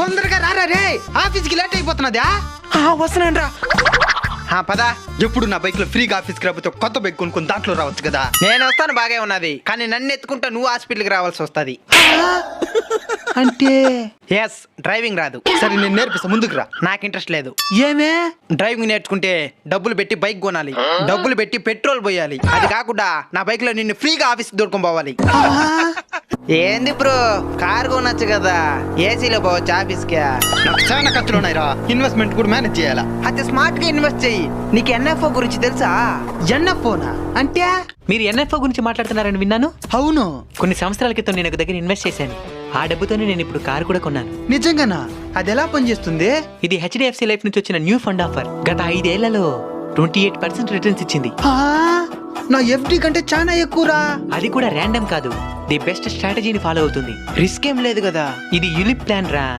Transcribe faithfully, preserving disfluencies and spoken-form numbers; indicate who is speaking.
Speaker 1: తొందరగా రారా రే, ఆఫీస్ కి లేట్ అయిపోతున్నదా.
Speaker 2: వస్తున్నాను రా.
Speaker 1: పదా, ఎప్పుడు నా బైక్ లో ఫ్రీగా ఆఫీస్కి రాకపోతే కొత్త బైక్ కొనుక్కొని దాంట్లో రావచ్చు కదా.
Speaker 2: నేను వస్తాను, బాగే ఉన్నది, కానీ నన్ను ఎత్తుకుంటా నువ్వు హాస్పిటల్కి రావాల్సి వస్తుంది.
Speaker 1: అంటే
Speaker 2: ఎస్, డ్రైవింగ్ రాదు.
Speaker 1: సరే నేను నేర్పిస్తా, ముందుకు రా.
Speaker 2: నాకు ఇంట్రెస్ట్ లేదు.
Speaker 1: ఏమే?
Speaker 2: డ్రైవింగ్ నేర్చుకుంటే డబ్బులు పెట్టి బైక్ కొనాలి, డబ్బులు పెట్టి పెట్రోల్ పోయాలి. అది కాకుండా నా బైక్ లో నిన్ను ఫ్రీగా ఆఫీస్ దొరుకుని పోవాలి. ఏంది బ్రో, కార్ కొనొచ్చు కదా, ఏసీలో పోవచ్చు ఆఫీస్ కి.
Speaker 1: నాకు చాలా ఖర్చులు ఉన్నాయిరా, ఇన్వెస్ట్మెంట్ కూడా మేనేజ్ చేయాలా.
Speaker 2: అయితే స్మార్ట్ గా ఇన్వెస్ట్ చెయ్యి. నీకు ఎన్ఎఫ్ఓ గురించి తెలుసా?
Speaker 1: ఎన్ఎఫ్ఓనా అంటే?
Speaker 3: మీరు ఎన్ఎఫ్ఓ గురించి మాట్లాడుతున్నారని విన్నాను.
Speaker 1: అవును,
Speaker 3: కొన్ని సంవత్సరాల క్రితం నేను ఒక దగ్గర ఇన్వెస్ట్ చేశాను. ఆ డబ్బుతోనే నేను ఇప్పుడు కారు కూడా కొన్నాను.
Speaker 1: నిజంగానా? అది ఎలా పనిచేస్తుంది?
Speaker 3: ఇది హెచ్డిఎఫ్సి లైఫ్ నుంచి వచ్చిన న్యూ ఫండ్ ఆఫర్. గత ఐదేళ్లలో ట్వంటీ ఎయిట్ పర్సెంట్ రిటర్న్స్ ఇచ్చింది.
Speaker 1: ఆ, నా ఎఫ్డి కంటే చాలా ఎక్కువరా.
Speaker 3: అది కూడా ర్యాండమ్ కాదు, ది బెస్ట్ స్ట్రాటజీని ఫాలో అవుతుంది.
Speaker 2: రిస్క్ ఏం లేదు కదా.
Speaker 3: ఇది యూలిప్ ప్లాన్ రా.